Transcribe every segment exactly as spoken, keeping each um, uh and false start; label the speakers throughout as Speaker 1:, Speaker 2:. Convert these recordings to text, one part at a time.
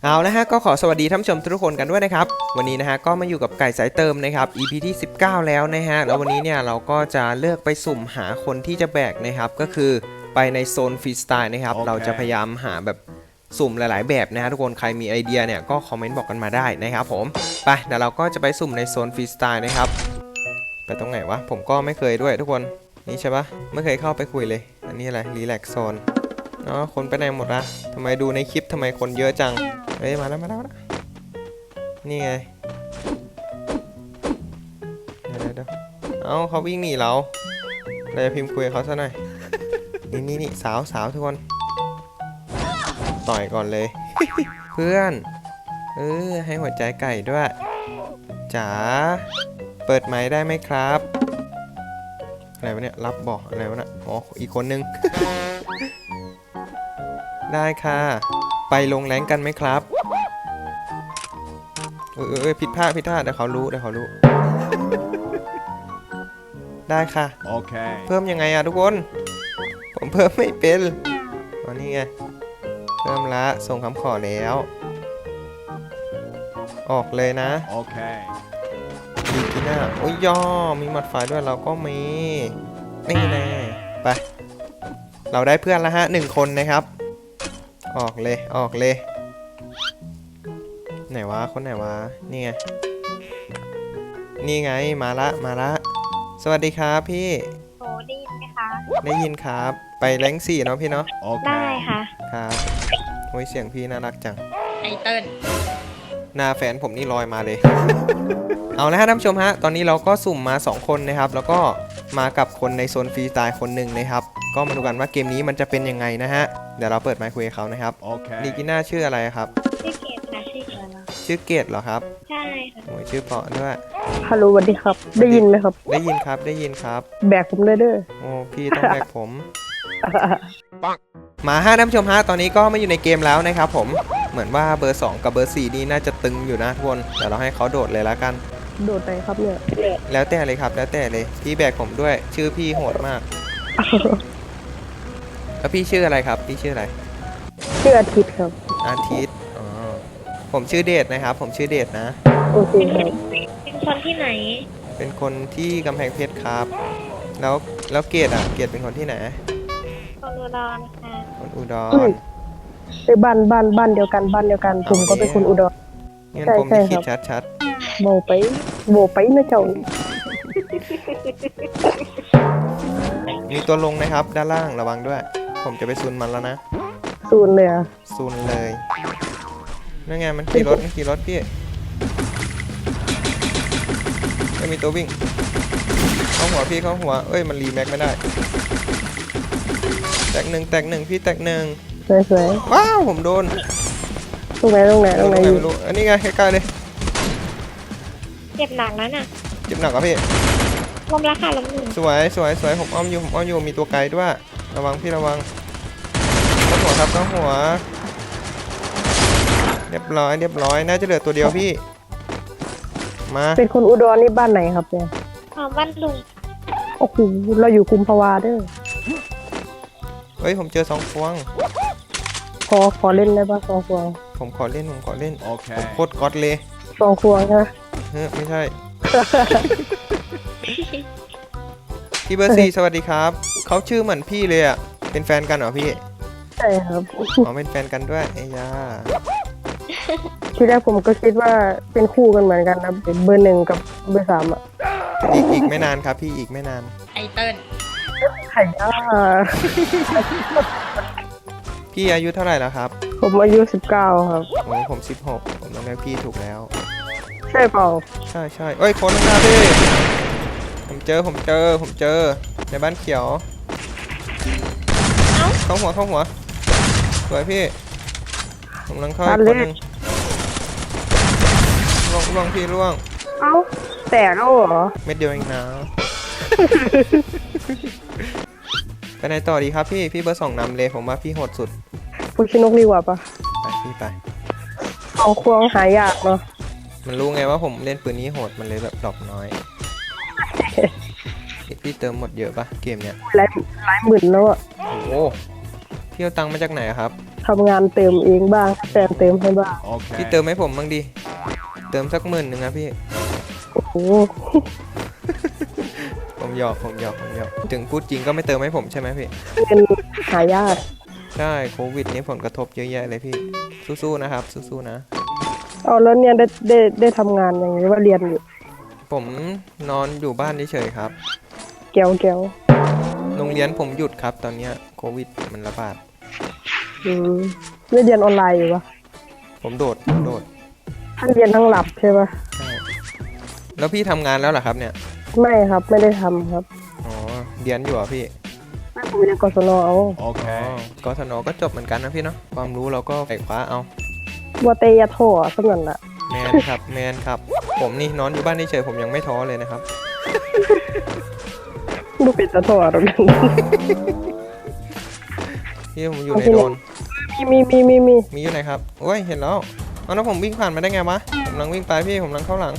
Speaker 1: เอาละฮะก็ขอสวัสดีท่านผู้ชมทุกคนกันด้วยนะครับวันนี้นะฮะก็มาอยู่กับไก่สายเติมนะครับ อี พี ที่สิบเก้าแล้วนะฮะแล้ววันนี้เนี่ยเราก็จะเลือกไปสุ่มหาคนที่จะแบกนะครับก็คือไปในโซนฟรีสไตล์นะครับ okay. เราจะพยายามหาแบบสุ่มหลายๆแบบนะฮะทุกคนใครมีไอเดียเนี่ยก็คอมเมนต์บอกกันมาได้นะครับผมไปเดี๋ยวเราก็จะไปสุ่มในโซนฟรีสไตล์นะครับไปตรงไหนวะผมก็ไม่เคยด้วยทุกคนนี่ใช่ปะไม่เคยเข้าไปคุยเลยอันนี้อะไรรีแลกซ์โซนเนาะคนไปไหนหมดละทำไมดูในคลิปทำไมคนเยอะจังเฮ้ยมาแล้วมาแล้วนี่ไงเดี๋ยวเดี๋ยวเอ้าเขาวิ่งหนีเราเราจะพิมพ์คุยกับเขาซะหน่อยนี่นี่นี่สาวสาวทุกคนต่อยก่อนเลย เพื่อนเออให้หัวใจไก่ด้วยจ๋าเปิดไมค์ได้ไหมครับอะไรวะเนี่ยรับบอกอะไรวะนะอ๋ออีกคนนึง ได้ค่ะไปลงแรงกันไหมครับเออเออผิดพลาดผิดพลาดเดี๋ยวเขารู้เดี๋ยวเขารู้ ได้ค่ะโอเคเพิ่มยังไงอะทุกคนผมเพิ่มไม่เป็นตอนนี้ไงเพิ่มละส่งคำขอแล้วออกเลยนะโอเคดีกิน่าโอ้ยย่อมีหมัดไฟด้วยเราก็มีนี่แน่ไปเราได้เพื่อนแล้วฮะหนึ่งคนนะครับออกเลยออกเลยไหนวะคนไหนวะนี่ไงนี่ไงมาละมาละสวัสดีครับพี่
Speaker 2: โอ้ได้ยินไหมคะ
Speaker 1: ได้ยินครับไปแรงสี่เนาะพี่เนาะ
Speaker 2: ได้ค่ะ
Speaker 1: ครับโอ้ยเสียงพี่น่ารักจัง
Speaker 2: ไอเติ้ล
Speaker 1: หน้าแฟนผมนี่ลอยมาเลย เอาละฮะท่านผู้ชมฮะตอนนี้เราก็สุ่มมาสองคนนะครับแล้วก็มากับคนในโซนฟรีสไตล์คนหนึ่งนะครับก็มาดูกันว่าเกมนี้มันจะเป็นยังไงนะฮะเดี๋ยวเราเปิดไมค์คุยกับเขานะครับโอเคนีกิน่าชื่ออะไรครับ
Speaker 2: ชื่อเกดนะชื่อเกดเหรอ
Speaker 1: ชื่อเกดเหรอครับ
Speaker 2: ใช่ค่ะ
Speaker 1: โอ้ยชื่อเพราะด้วย
Speaker 3: ฮัลโหลสวัสดีครับได้ยินไหมครับ
Speaker 1: ได้ยินครับได้ยินครับ
Speaker 3: แบกผมได้เด้อ
Speaker 1: โอ้พี่ต้องแบกผม มาห้าท่านผู้ชมฮะตอนนี้ก็มาอยู่ในเกมแล้วนะครับผมเหมือนว่าเบอร์สองกับเบอร์สี่นี่น่าจะตึงอยู่นะทุกคนเดี๋ยวเราให้เขาโดดเลยแล้วกัน
Speaker 3: โดดไหนครับเนี่ย
Speaker 1: แล้วแต่เลยครับแล้วแต่เลยพี่แบกผมด้วยชื่อพี่โหดมาก แล้วพี่ชื่ออะไรครับพี่ชื่ออะไร
Speaker 3: ชื่ออาทิตย์ครับ
Speaker 1: อาทิตย์อ๋อผมชื่อเดชนะครับผมชื่อเดชนะ
Speaker 3: โอเคครับ
Speaker 2: เป็นคนที่ไหน
Speaker 1: เป็นคนที่กำแพงเพชรครับแล้วแล้วเกดอ่ะเกดเป็นคนที่ไหน
Speaker 2: คนอุดรค่ะ
Speaker 1: คนอุดร
Speaker 3: ไปบ้านบ้านบ้านเดียวกันบ้านเดียวกันผมก็เป็นคนอุดร
Speaker 1: งั้นผมมีคิดชัด
Speaker 3: ๆโบไปโบไปนะเจ้า
Speaker 1: มีตัวลงนะครับด้านล่างระวังด้วยผมจะไปซูนมันแล้วนะ
Speaker 3: ซูนเลยอะ
Speaker 1: ซูนเลยนั่นไงมันขี่รถมันขี่รถพี่ไม่มีตัววิ่งเข้าหัวพี่เข้าหัวเอ้ยมันรีแม็กไม่ได้แตกหนึ่งแตกหนึ่งพี่แตกหนึ่ง
Speaker 3: สวย
Speaker 1: ๆว้าวผมโดน
Speaker 3: ตรงไหนตรงไหนตรงไหน
Speaker 1: ไม่รู้อันนี้ไงใกล้ๆเลย
Speaker 2: เจ็บหนักแล้วน่ะ
Speaker 1: เจ็บหนักอ่ะพี่
Speaker 2: ล้มราคาล้มหนึ่ง
Speaker 1: สวยสวยสวยผมอ้อมอยู่ผมอ้อมอยู่มีตัวไกลด้วยระวังพี่ระวังเข้าหัวครับเข้าหัวเรียบร้อยเรียบร้อยน่าจะเหลือตัวเดียวพี่มา
Speaker 3: เป็นคนอุดรนี่บ้านไหนครับเนี่ย
Speaker 2: อ๋อบ้านลุง
Speaker 3: โอ้โหเราอยู่กุมภาวาเด้อ
Speaker 1: เฮ้ยผมเจอสองพวง
Speaker 3: ขอขอเล่นได้ป่ะสองพวง
Speaker 1: ผมขอเล่นผมขอเล่นโอเคโคตรก๊อตเลย
Speaker 3: สองพวงใช่ไหม
Speaker 1: เฮ้ยไม่ใช่ พี่เบอร์สี่สวัสดีครับเขาชื่อเหมือนพี่เลยอ่ะเป็นแฟนกันเหรอพี่
Speaker 3: ใช่ครับ
Speaker 1: อ๋อเป็นแฟนกันด้วยไอ้ยา
Speaker 3: ทีแรกผมก็คิดว่าเป็นคู่กันเหมือนกันนะเบอร์หนึ่งกับเบอร์สามอ่ะ
Speaker 1: อีกอีกไม่นานครับพี่อีกไม่นาน
Speaker 2: ไอเติ้ล
Speaker 3: ไข่ย่า
Speaker 1: พี่อายุเท่าไหร่แล้วครับ
Speaker 3: ผมอายุสิบเก้าครับ
Speaker 1: โอ้ผมสิบหกผมต้องเรียกพี่ถูกแล้ว
Speaker 3: ใช่เปล่า
Speaker 1: ใช่ใช่เอ้ยคนข้างหน้าพี่ผมเจอผมเจอผมเจอในบ้านเขียวเข้าหัวเข้าหัวสวยพี่ผมลังเข้าอีกคนนึงล่วงล่วงพี่ล่วง
Speaker 3: เอ้าแต่แล้วเหรอ
Speaker 1: เม็ดเดียวเองนะไปไหนต่อดีครับพี่พี่เบอร์สองนำเลยผมว่าพี่โหดสุด
Speaker 3: ฟูชินกดีกว่าปะ
Speaker 1: ไปพี่ไป
Speaker 3: เอาควงหายากเนาะ
Speaker 1: มันรู้ไงว่าผมเล่นปืนนี้โหดมันเลยแบบดรอปน้อย พี่เติมหมดเยอะปะเกมเนี้ย
Speaker 3: หลายหลายหมื่นแล้วอ่ะ
Speaker 1: โอ้พี่เอาตังค์มาจากไหนครับ
Speaker 3: ทำงานเติมเองบ้างแฟนเติมให้บ้าง
Speaker 1: พี่
Speaker 4: Okay.
Speaker 1: เติมให้ผมบ้างดิเติมสักหมื่นหนึ่งนะพี่
Speaker 3: โอ้โห
Speaker 1: ผมหยอกผมหยอกผมหยอกถึงพูดจริงก็ไม่เติมให้ผมใช่ไหมพี่
Speaker 3: เงินหายาก
Speaker 1: ใช่โควิดนี่ผลกระทบเยอะแยะเลยพี่สู้ๆนะครับสู้ๆนะ
Speaker 3: เอาแล้วเนี่ยได้ได้ได้ทำงานอย่างนี้ว่าเรียนอยู่
Speaker 1: ผมนอนอยู่บ้านเฉยๆครับ
Speaker 3: แก้วแก้ว
Speaker 1: โรงเรียนผมหยุดครับตอนเนี้ยโควิดมันระบาด
Speaker 3: อืมไม่เรียนออนไลน์อยู่ปะ
Speaker 1: ผมโดดผมโดด
Speaker 3: ท่านเรียนทั้งหลับใช่ปะ
Speaker 1: ใช่แล้วพี่ทำงานแล้วเหรอครับเนี่ย
Speaker 3: ไม่ครับไม่ได้ทำครับ
Speaker 1: อ๋อเรียนอยู่เหรอพี่
Speaker 3: ไม่ผมเรียนกศนเอา
Speaker 1: อ๋อ
Speaker 4: Okay.
Speaker 1: กศนก็จบเหมือนกันนะพี่เนาะความรู้เราก็ไขว้าเอา
Speaker 3: ว่าเตยะโถสนั่นละ
Speaker 1: แมนครับแมนครับ ผมนี่นอนอยู่บ้านเฉยๆผมยังไม่ท้อเลยนะครับ
Speaker 3: ดูปิดตะโถหรอกกัน
Speaker 1: พี่ผมอยู่ในโดรน
Speaker 3: มีมีมีมีมี
Speaker 1: มีอยู่ไหนครับโอ้ยเห็นแล้วเอาแล้วผมวิ่งผ่านมาได้ไงวะผมกำลังวิ่งไปพี่ผมกำลังเข้าหลัง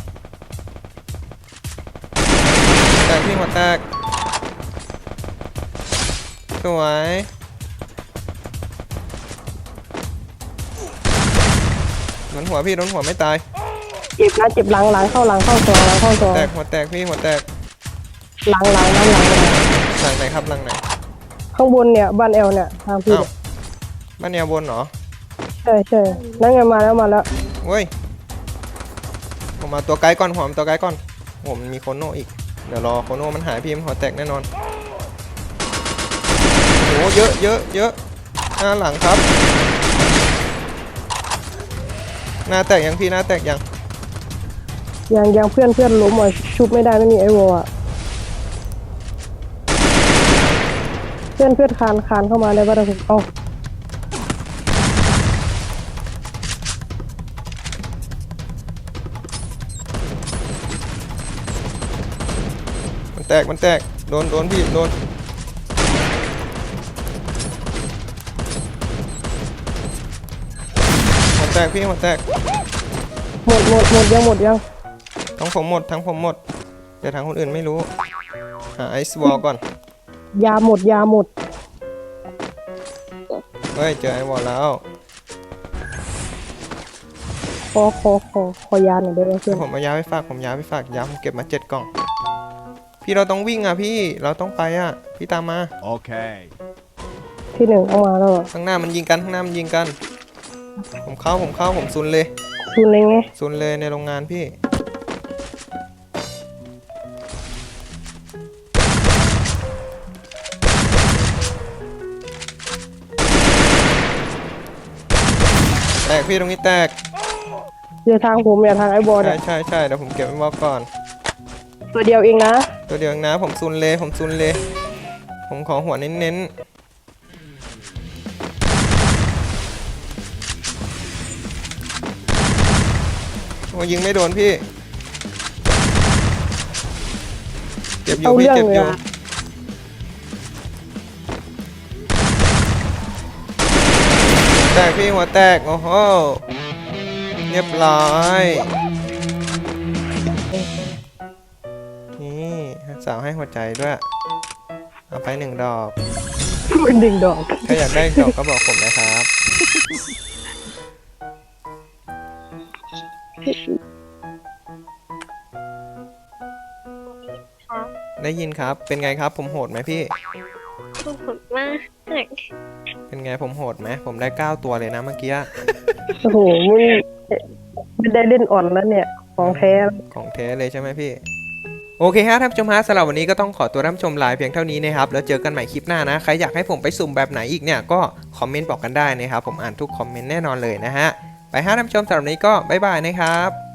Speaker 1: แตกพี่หัวแตกสวยโดนหัวพี่โดนหัวไม่ตาย
Speaker 3: เจ็บนะเจ็บหลังหลังเข้าหลังเข้าซองหลังเข้าซอง
Speaker 1: แตกหัวแตกพี่หัวแตก
Speaker 3: หลังหลังนั่นหลังเลย
Speaker 1: หลังไหนครับหลังไหน
Speaker 3: ข้างบนเนี่ยบ้านแอลเนี่ยทางพี่
Speaker 1: อ้าวบ้านแนวบนเหรอ
Speaker 3: ใช่ใช่นั่นไงมาแล้วมาแล้ว
Speaker 1: เว้ยผมมาตัวไกลก่อนผมตัวไกลก่อนผมมีโคโน่อีกเดี๋ยวรอโคโน่มันหายพี่มันหัวแตกแน่นอนโอ้เยอะเยอะเยอะหน้าหลังครับหน้าแตกยังพี่หน้าแตกยัง
Speaker 3: ยังยังเพื่อนเพื่อนล้มอ่ะชุบไม่ได้ไม่มีไอวอลอ่ะเพื่อนเพื่อนคานคานเข้ามาได้ป่ะทุกคนเอา
Speaker 1: มันแตกมันแตกโดนโดนพี่โดนหัวแตกพี่หัวแตก
Speaker 3: หมดหมดหมดยังหมดยัง
Speaker 1: ทั้งผมหมดทั้งผมหมดแต่ทางคนอื่นไม่รู้หาไอซ์วอลก่อน
Speaker 3: ยาหมดยาหมด
Speaker 1: เฮ้ยเจอไอวอลแล้ว
Speaker 3: ขอขอขอขอยาหน่อยได้ไหมเพื่
Speaker 1: เดี๋
Speaker 3: อย น
Speaker 1: วผมเอายาไปฝากผมยาไปฝากยาผมเก็บมาเจ็ดกล่อง พี่เราต้องวิ่งอ่ะพี่เราต้องไปอ่ะพี่ตามมา
Speaker 4: Okay.
Speaker 3: ที่หนึ่งเอามาแล้วอะ
Speaker 1: ข้างหน้ามันยิงกันข้างหน้ามันยิงกัน ผมเข้าผมเข้าผมซุนเลย
Speaker 3: คุณเลยไง
Speaker 1: ซุนเลยในโรงงานพี่แตกพี่ตรงนี้แตก
Speaker 3: เดี๋ยวทางผมอย่าทางไอบอล
Speaker 1: ใช่
Speaker 3: เนี่ย
Speaker 1: ใช่ใช่เดี๋ยวผมเก็บไว้บอกก่อน
Speaker 3: ตัวเดียวเองนะ
Speaker 1: ตัวเดียวเองนะผมซุนเลยผมซุนเลย ผมขอหัวเน้นๆโอ้ยิงไม่โดนพี่เจ็บอยู่
Speaker 3: เอา
Speaker 1: พี่
Speaker 3: เรื่อง
Speaker 1: เจ็บ
Speaker 3: เล
Speaker 1: อย ยู่
Speaker 3: อะ
Speaker 1: แตกพี่หัวแตกโอ้โหเรียบร้อยนี่สาวให้หัวใจด้วยเอาไปหนึ่งดอก
Speaker 3: มันดึงดอก
Speaker 1: ถ้าอยากได้อีกดอกก็บอกผมนะครับ
Speaker 2: ค่ะ
Speaker 1: ได้ยินครับเป็นไงครับผมโหดไหมพี่
Speaker 2: ขอบคุณมาก
Speaker 1: เป็นไงผมโหดไหมผมได้เก้าตัวเลยนะเมื่อกี้
Speaker 3: โอ้โหมันไม่ได้เล่นอ่อนแล้วเนี่ย ของแท้
Speaker 1: ของแท้เลยใช่ไหมพี่ โอเคฮะท่านผู้ชมฮะสำหรับวันนี้ก็ต้องขอตัวท่านผู้ชมลาเพียงเท่านี้นะครับแล้วเจอกันใหม่คลิปหน้านะใครอยากให้ผมไปสุ่มแบบไหนอีกเนี่ยก็คอมเมนต์บอกกันได้นะครับผมอ่านทุกคอมเมนต์แน่นอนเลยนะฮะไปฮะท่านผู้ชมสำหรับวันนี้ก็บ๊ายบายนะครับ